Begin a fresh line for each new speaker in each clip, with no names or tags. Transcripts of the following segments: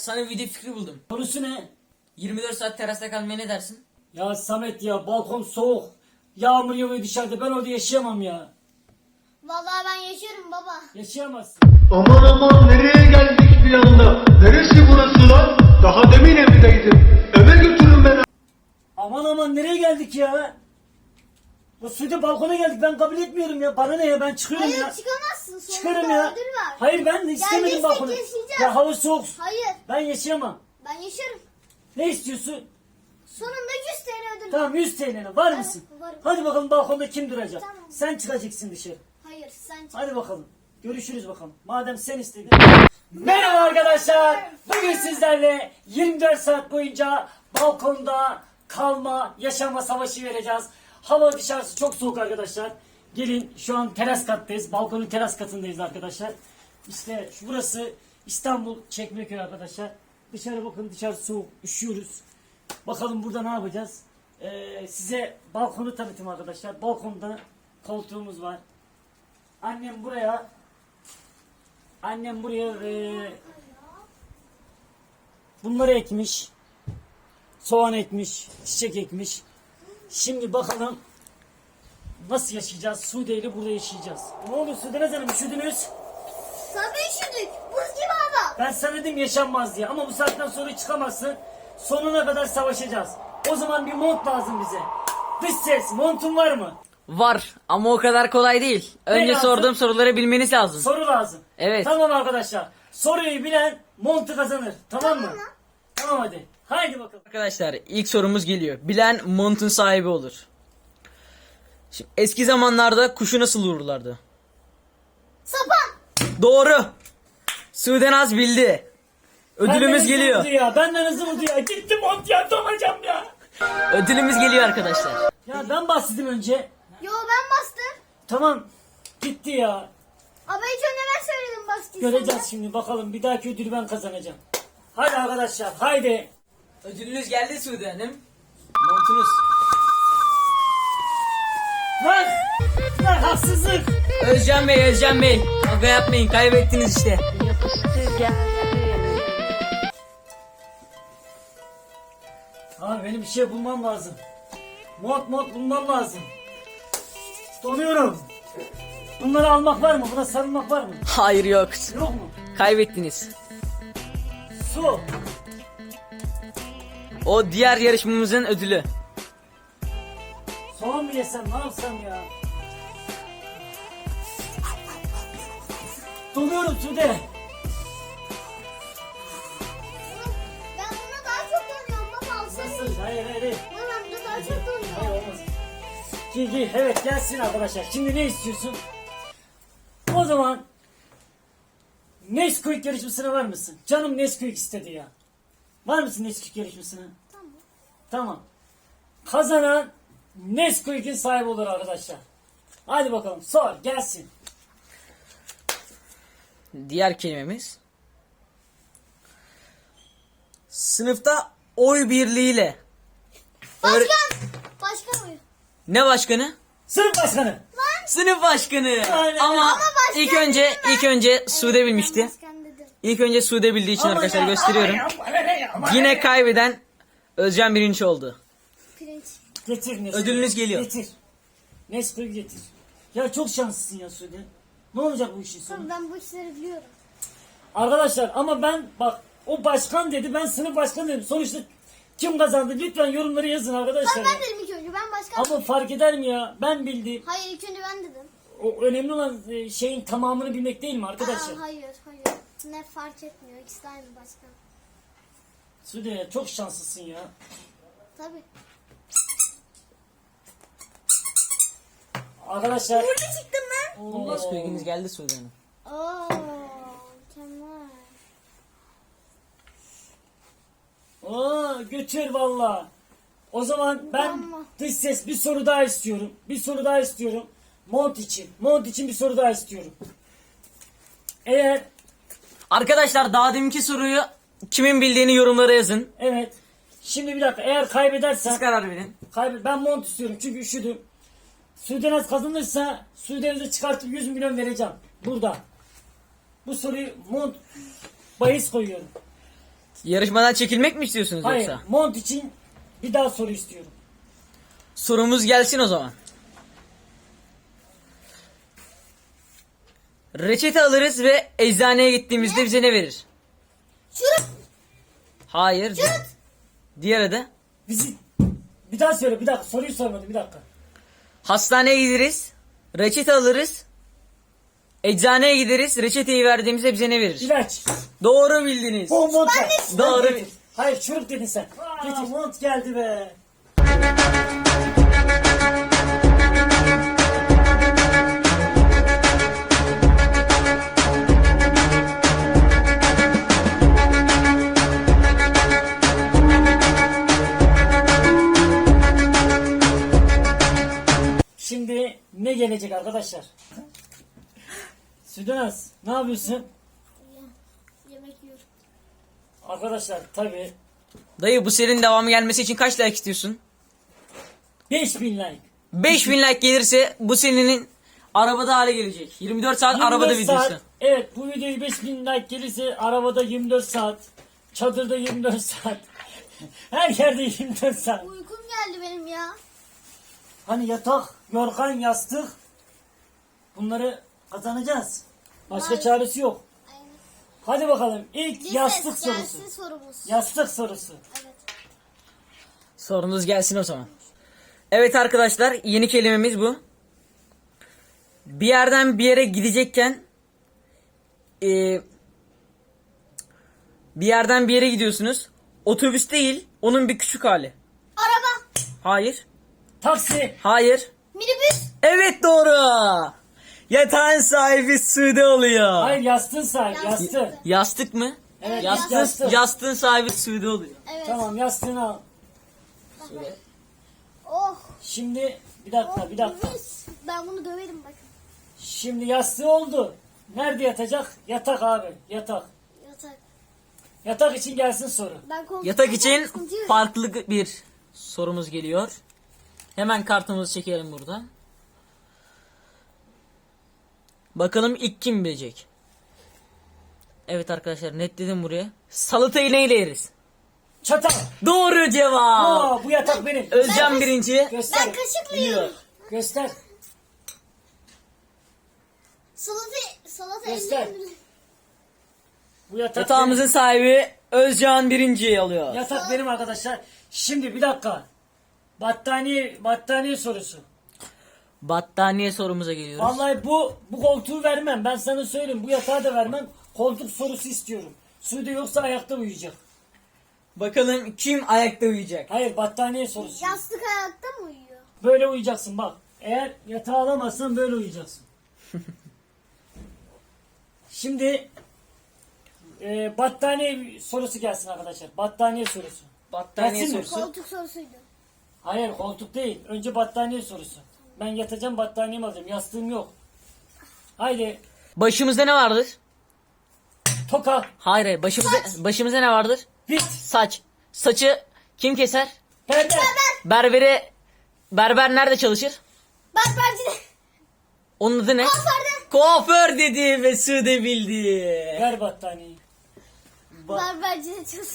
sana bir video fikri buldum.
Konusu ne?
24 saat terasta kalmaya ne dersin?
Ya Samet ya, balkon soğuk. Yağmur yağıyor dışarıda, ben orada yaşayamam ya.
Vallahi ben yaşıyorum baba.
Yaşayamazsın.
Aman aman nereye geldik bir anda? Neresi burası lan? Daha demin evdeydim. Eve götürün beni.
Aman aman nereye geldik ya? Bu Sude, balkona geldik, ben kabul etmiyorum ya. Bana ne ya, ben çıkıyorum
Hayır
ya.
çıkamazsın. Sonunda
Çıkarım ya.
ödül var.
Hayır, ben de istemedim
Geldiysek
balkonu.
yaşayacağız.
Ya hava soğuk.
Hayır
Ben yaşayamam.
ben yaşarım.
Ne istiyorsun?
Sonunda 100 TL ödül var.
Tamam, 100 TL'ne var mısın?
varım.
Hadi bakalım, balkonda kim duracak?
Tamam.
Sen çıkacaksın dışarı.
Hayır sen çık.
Hadi bakalım. Görüşürüz bakalım. Madem sen istedin. Merhaba arkadaşlar. Bugün sizlerle 24 saat boyunca balkonda kalma, yaşama savaşı vereceğiz. Hava dışarısı çok soğuk arkadaşlar. Gelin, şu an teras kattayız. Balkonun teras katındayız arkadaşlar. İşte burası İstanbul Çekmeköy arkadaşlar. Dışarı bakın, dışarı soğuk, üşüyoruz. Bakalım burada ne yapacağız? Size balkonu tanıtayım arkadaşlar. Balkonda koltuğumuz var. Annem buraya bunları ekmiş. Soğan ekmiş, çiçek ekmiş. Şimdi bakalım nasıl yaşayacağız? Sude ile burada yaşayacağız. Ne oldu Sude Hanım, üşüdünüz?
Tabii üşüdük. Buz gibi hava.
Ben sana dedim yaşanmaz diye, ama bu saatten sonra çıkamazsın. Sonuna kadar savaşacağız. O zaman bir mont lazım bize. Dış ses, montun var mı?
Var ama o kadar kolay değil. Önce
lazım?
sorduğum soruları bilmeniz lazım.
Soru lazım.
Evet.
Tamam arkadaşlar. Soruyu bilen montu kazanır. Tamam mı? Tamam hadi. Haydi bakalım.
Arkadaşlar ilk sorumuz geliyor. Bilen montun sahibi olur. Şimdi, eski zamanlarda kuşu nasıl vururlardı?
Sapan.
Doğru. Sudenaz bildi. Ödülümüz
Benden hızlı
geliyor.
vurdu ya. Benden hızlı vurdu ya. Gitti mont ya, donacağım ya.
Ödülümüz geliyor arkadaşlar.
Ya ben bastım önce.
Yo ben bastım.
Tamam. Gitti ya.
Ama hiç önce ben söyledim bastıysan.
Göreceğiz şimdi bakalım. Bir dahaki ödülü ben kazanacağım. Hadi arkadaşlar. Haydi.
Ödülünüz geldi Sude Hanım. Montunuz.
Lan. Lan haksızlık.
Özcan Bey. Kavga yapmayın, kaybettiniz işte.
Abi benim bir şey bulmam lazım. Mont bulmam lazım. Donuyorum. Bunları almak var mı? Buna sarılmak var mı?
Hayır yok.
Yok mu?
Kaybettiniz.
Su.
O diğer yarışmamızın ödülü.
Soğan mı yesem, ne yapsam ya? Donuyorum Sude.
Ben buna daha çok donuyorum baba alsana.
Nasıl? Hayır.
Ben buna daha çok donuyorum.
Hayır olmaz. Giy. Evet, gelsin arkadaşlar. Şimdi ne istiyorsun? O zaman Nesquik yarışmasına var mısın? Canım Nesquik istedi ya. Var mısın Nesquik yarışmasına?
Tamam.
Tamam. Kazanan Nesquik'in sahibi olur arkadaşlar. Hadi bakalım, sor gelsin.
Diğer kelimemiz. Sınıfta oy birliğiyle.
Başkan. Başkan mı?
Ne başkanı?
Sınıf başkanı.
Sınıf başkanı.
Aynen.
Ama
başkan
ilk önce Sude bilmişti.
Başkan dedim.
İlk önce Sude bildiği için arkadaşlar gösteriyorum.
Yine
Yine kaybeden Özcan birinci oldu.
Pirinç.
getir Nesquik.
Ödülünüz geliyor.
Getir. Nesquik getir. Ya çok şanslısın ya Sude. Ne olacak bu işin sonu?
Tamam ben bu işleri biliyorum.
Arkadaşlar ama ben bak, o başkan dedi, ben sınıf başkanı dedim. Sonuçta kim kazandı? Lütfen yorumları yazın arkadaşlar.
Tamam ben dedim ilk önce ben başkan.
Ama fark eder mi ya? Ben bildim.
Hayır ilk önce ben dedim.
O önemli olan şeyin tamamını bilmek değil mi arkadaşlar?
Hayır. Ne fark etmiyor. İkisi de aynı başkan.
Sude ya, çok şanslısın ya.
Tabii.
Arkadaşlar.
Burada çıktım ben.
Nesquik'iniz geldi Sude Hanım.
Oo, mükemmel.
Oo, götür valla. O zaman ben
Tamam.
dış ses bir soru daha istiyorum. Mont için bir soru daha istiyorum. Eğer
Arkadaşlar daha deminki soruyu kimin bildiğini yorumlara yazın.
evet. Şimdi bir dakika, eğer kaybedersen
Siz karar verin.
ben mont istiyorum çünkü üşüdüm. Sudenaz kazanırsa Sudenaz'ı çıkartıp 100 milyon vereceğim. Burada. Bu soruyu mont bahis koyuyorum.
Yarışmadan çekilmek mi istiyorsunuz
Hayır,
yoksa?
mont için bir daha soru istiyorum.
Sorumuz gelsin o zaman. Reçete alırız ve eczaneye gittiğimizde bize ne verir?
Şurup.
Hayır. Diğeri de.
Bizi bir daha söyle, bir dakika, soruyu sormadım, bir dakika.
Hastaneye gideriz. Reçete alırız. Eczaneye gideriz. Reçeteyi verdiğimizde bize ne verir?
İlaç.
Doğru bildiniz.
O mont ver.
Doğru.
Getir. Hayır, şurup dedin sen. Getir. Mont geldi be. Şimdi ne gelecek arkadaşlar? Südenaz, ne yapıyorsun?
Yemek yiyorum.
Arkadaşlar tabii
Dayı bu serinin devamı gelmesi için kaç like istiyorsun?
5000 like.
5000 like gelirse bu serinin arabada hale gelecek. 24 saat arabada
24 saat,
videosu.
evet, bu videoyu 5000 like gelirse arabada 24 saat. Çadırda 24 saat. Her yerde 24 saat.
Uykum geldi benim ya.
Hani yatak, yorgan, yastık. Bunları kazanacağız. Başka
Maalesef.
çaresi yok.
Aynen.
Hadi bakalım ilk
Bir
yastık
ses
sorusu.
gelsin sorumuz.
Yastık sorusu.
Evet.
Sorunuz gelsin o zaman. Evet arkadaşlar, yeni kelimemiz bu. Bir yerden bir yere gidecekken bir yerden bir yere gidiyorsunuz. Otobüs değil, onun bir küçük hali.
Araba.
Hayır.
Taksi.
Hayır.
Minibüs.
Evet doğru. Yatağın sahibi Sude oluyor.
Hayır, yastığın sahibi,
Yastık.
yastığı.
Yastık mı?
Evet,
Yastığın, yastığın sahibi Sude oluyor.
Evet.
Tamam, yastığını al.
Oh.
Şimdi bir dakika, bir dakika.
Mis. Ben bunu döverim bakın.
Şimdi yastığı oldu. Nerede yatacak? Yatak abi, yatak.
Yatak.
Yatak için gelsin soru.
Ben koltukta
Yatak için
sıkıntı yok.
farklı bir sorumuz geliyor. Hemen kartımızı çekelim burada. Bakalım ilk kim bilecek? Evet arkadaşlar, netledim buraya. Salatayı neyle yeriz?
Çatal.
Doğru cevap.
Aa, bu yatak benim.
Özcan birinci.
Göster.
Ben kaşıkla yiyorum.
Göster.
Salata
Göster.
ellerim.
Bu yatak
Yatağımızın sahibi Özcan birinci alıyor.
benim. Yatak benim arkadaşlar. Şimdi bir dakika. Battaniye sorusu.
Battaniye sorumuza geliyoruz.
Vallahi bu koltuğu vermem. Ben sana söyleyeyim. Bu yatağı da vermem. Koltuk sorusu istiyorum. Sude yoksa ayakta uyuyacak.
Bakalım kim ayakta uyuyacak?
Hayır, battaniye sorusu.
Yastık ayakta mı uyuyor?
Böyle uyuyacaksın bak. Eğer yatağı alamazsan böyle uyuyacaksın. Şimdi battaniye sorusu gelsin arkadaşlar. Battaniye sorusu.
Battaniye
Gelsin mi?
sorusu.
Koltuk sorusuydu.
Hayır, koltuk değil. Önce battaniye sorusu. Ben yatacağım, battaniyemi alacağım. Yastığım yok. Haydi.
Başımızda ne vardır?
Toka.
Hayır, başımızda ne vardır?
Bit.
Saç. Saçı kim keser?
Perde.
Berber nerede çalışır?
Berbercide.
Onun adı ne?
Kuaförde.
Kuaför dedi ve Sude bildi.
Ver battaniyeyi.
Berbercide çalış.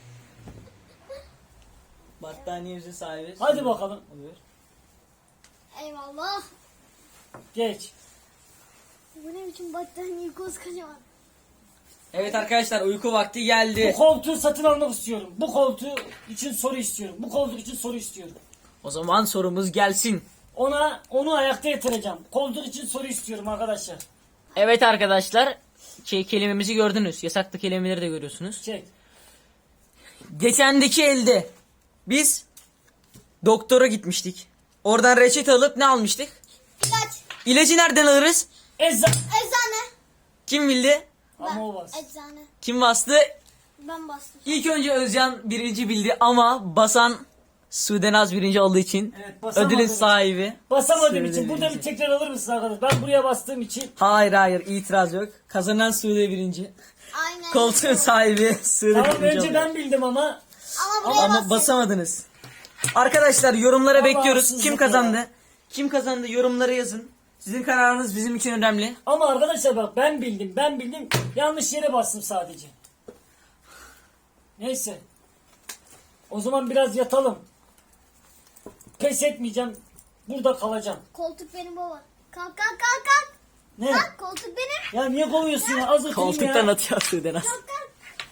Battaniyemizin sahibi.
Hadi bakalım.
Oluyor.
Eyvallah.
Geç.
Bu ne biçim battaniye koskocaman.
Evet arkadaşlar, uyku vakti
Bu
geldi.
koltuğu satın almak istiyorum. Bu koltuğu için soru istiyorum. Bu koltuk için soru istiyorum.
O zaman sorumuz gelsin.
Onu ayakta yatıracağım. Koltuk için soru istiyorum arkadaşlar.
Evet arkadaşlar, kelimemizi gördünüz. Yasaklı kelimeleri de görüyorsunuz.
Çek.
Geçendeki elde biz doktora gitmiştik. Oradan reçete alıp ne almıştık?
İlaç.
İlacı nereden alırız?
Eczan.
Eczane.
Kim bildi?
Ama o bas.
Eczane.
Kim bastı?
Ben bastım.
İlk önce Özcan birinci bildi ama basan Sudenaz birinci olduğu için
Evet, basamadım.
ödülün sahibi.
Basamadığım
Sude
için burada
birinci.
bir tekrar alır mısın arkadaşlar? Ben buraya bastığım için.
Hayır itiraz yok. Kazanan Sude birinci.
Aynen.
Koltuğun sahibi Sude
Tamam,
birinci
önce
oluyor.
ben bildim ama.
Ama buraya
Ama
bastım.
basamadınız. Arkadaşlar yorumlara
Ama
bekliyoruz.
haksızlık
Kim
ya.
kazandı? Kim kazandı yorumlara yazın. Sizin kararınız bizim için önemli.
Ama arkadaşlar bak, ben bildim. Yanlış yere bastım sadece. Neyse. O zaman biraz yatalım. Pes etmeyeceğim. Burada kalacağım.
Koltuk benim baba. Kalk kalk kalk kalk.
Ne?
Kalk koltuk benim.
Ya niye kovuyorsun ya? Az oturayım
Koltuktan
ya.
atıyor Sudenaz.
Kalk kalk.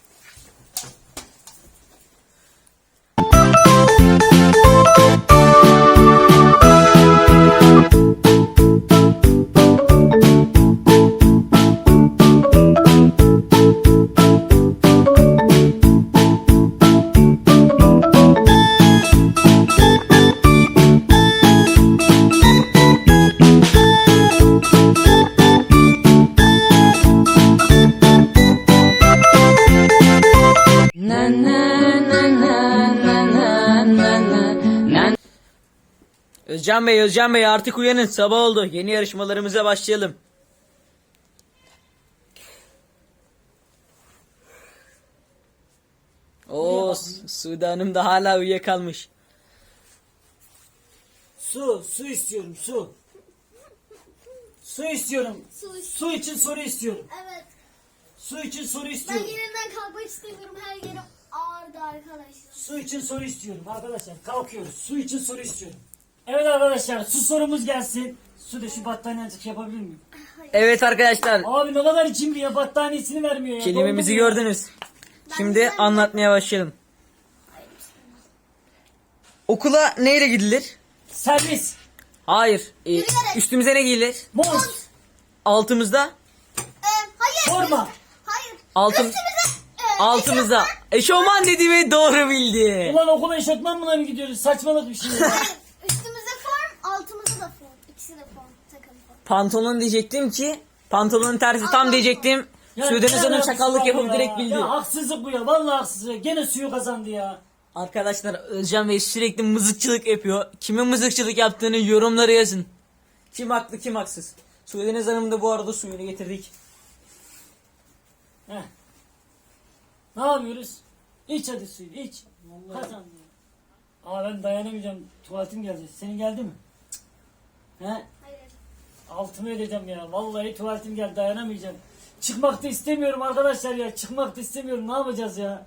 Özcan Bey artık uyanın. Sabah oldu. Yeni yarışmalarımıza başlayalım. Oo, Sude Hanım da hala uyuyakalmış.
Su istiyorum, su. Su istiyorum. Su için soru istiyorum.
Evet.
Su için soru
Ben
istiyorum.
yerimden kalkmak istemiyorum. Her yerim ağrıdı arkadaşlar.
Su için soru istiyorum arkadaşlar. Kalkıyoruz. Su için soru istiyorum. Evet arkadaşlar, su sorumuz gelsin. Su da şu battaniye azıcık yapabilir miyim?
Evet arkadaşlar,
Abi ne kadar cimri ya, battaniyesini vermiyor ya.
kelimemizi
Dondum ya.
gördünüz. Şimdi anlatmaya başlayalım. Okula neyle gidilir?
Servis.
Hayır.
Yürüyerek.
Üstümüze ne giyilir?
Mont.
Altımızda?
Hayır.
Forma.
Hayır.
Altım,
Üstümüze.
altımızda. Eşofman dedi ve doğru bildi.
Ulan okula eşofmanla mı gidiyoruz? Saçmalık bir şey ya.
Hayır. Üstümüze form, altımıza da form. İkisi de form. Takım form.
Pantolon diyecektim ki. Pantolonun tersi tam diyecektim. Sudenaz
ne
Hanım
alakası
çakallık
var
yapıp
ya?
direkt bildi.
Ya haksızlık bu ya. Vallahi haksızlık. Gene suyu kazandı ya.
Arkadaşlar Özcan Bey sürekli mızıkçılık yapıyor. Kimin mızıkçılık yaptığını yorumlara yazın. Kim haklı kim haksız. Sudenaz Hanım da bu arada suyunu getirdik.
Heh. Ne yapıyoruz? İç hadi suyu iç. Kazandı. Aa ben dayanamayacağım. Tuvaletim geldi. Senin geldi mi? He?
Hayır.
Altımı edeceğim ya. Vallahi tuvaletim geldi, dayanamayacağım. Çıkmak da istemiyorum arkadaşlar ya. Çıkmak da istemiyorum. Ne yapacağız ya?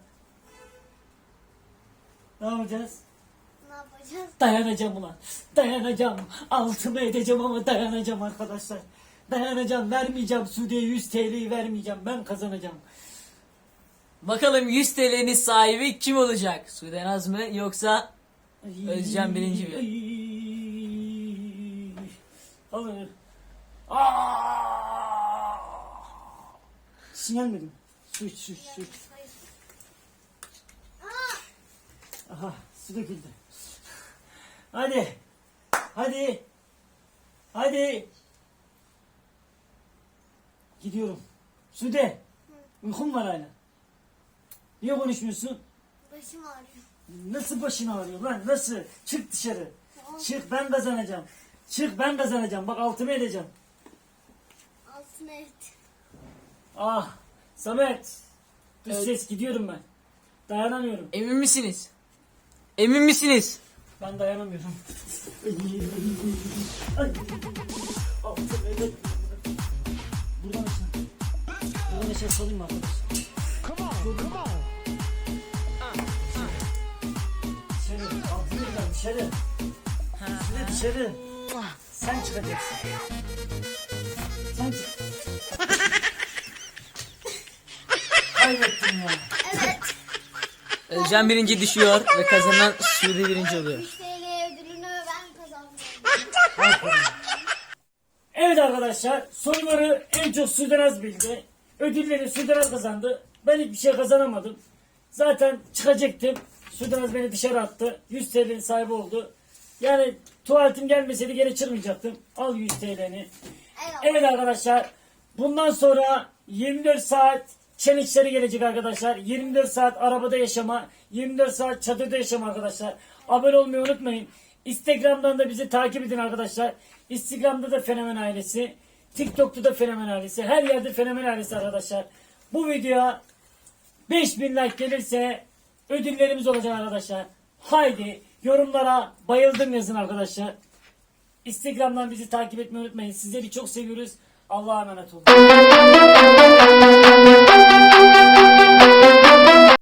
Ne yapacağız?
Ne yapacağız?
Dayanacağım ulan. Dayanacağım. Altımı edeceğim ama dayanacağım arkadaşlar. Dayanacağım. Vermeyeceğim. Sude'ye 100 TL'yi vermeyeceğim. Ben kazanacağım.
Bakalım 100 TL'nin sahibi kim olacak? Sudenaz mı yoksa Özcan birinci bir.
Alır. Sinirlenmedim. Su iç, su iç, su iç.
Hayır.
Aha, su döküldü. Hadi. Hadi. Hadi. Gidiyorum. Sude. Uykum var hala. Niye konuşmuyorsun?
Başım ağrıyor.
Nasıl başın ağrıyor lan? Nasıl? Çık dışarı. Çık, ben kazanacağım. Çık, ben kazanacağım. Bak altımı edeceğim.
Altına et.
Ah. Samet. Dış
Evet.
ses, gidiyorum ben. Dayanamıyorum.
Emin misiniz? Emin misiniz?
Ben dayanamıyorum. Ay. Altımı edeceğim. Buradan aşağı. Buradan aşağı salayım mı arkadaşlar? Dışarı. Altını edeceğim dışarı. Dışarı. Sen çıkacaksın. Sen çık. Kaybettim ya.
Evet.
Özcan birinci düşüyor ve kazanan Sude birinci oluyor.
100 TL ödülünü ben kazandım.
Evet arkadaşlar, soruları en çok Sudenaz bildi. Ödülleri Sudenaz kazandı. Ben hiçbir şey kazanamadım. Zaten çıkacaktım. Sudenaz beni dışarı attı. 100 TL'nin sahibi oldu. Yani tuvaletim gelmeseydi geri çıkmayacaktım. Al 100 TL'ni.
Eyvallah.
Evet arkadaşlar, bundan sonra 24 saat challenge'leri gelecek arkadaşlar. 24 saat arabada yaşama, 24 saat çadırda yaşama arkadaşlar. Abone olmayı unutmayın. Instagram'dan da bizi takip edin arkadaşlar. Instagram'da da Fenomen Ailesi, TikTok'ta da Fenomen Ailesi, her yerde Fenomen Ailesi arkadaşlar. Bu videoya 5000 like gelirse ödüllerimiz olacak arkadaşlar. Haydi yorumlara bayıldım yazın arkadaşlar. Instagram'dan bizi takip etmeyi unutmayın. Sizleri çok seviyoruz. Allah'a emanet olun.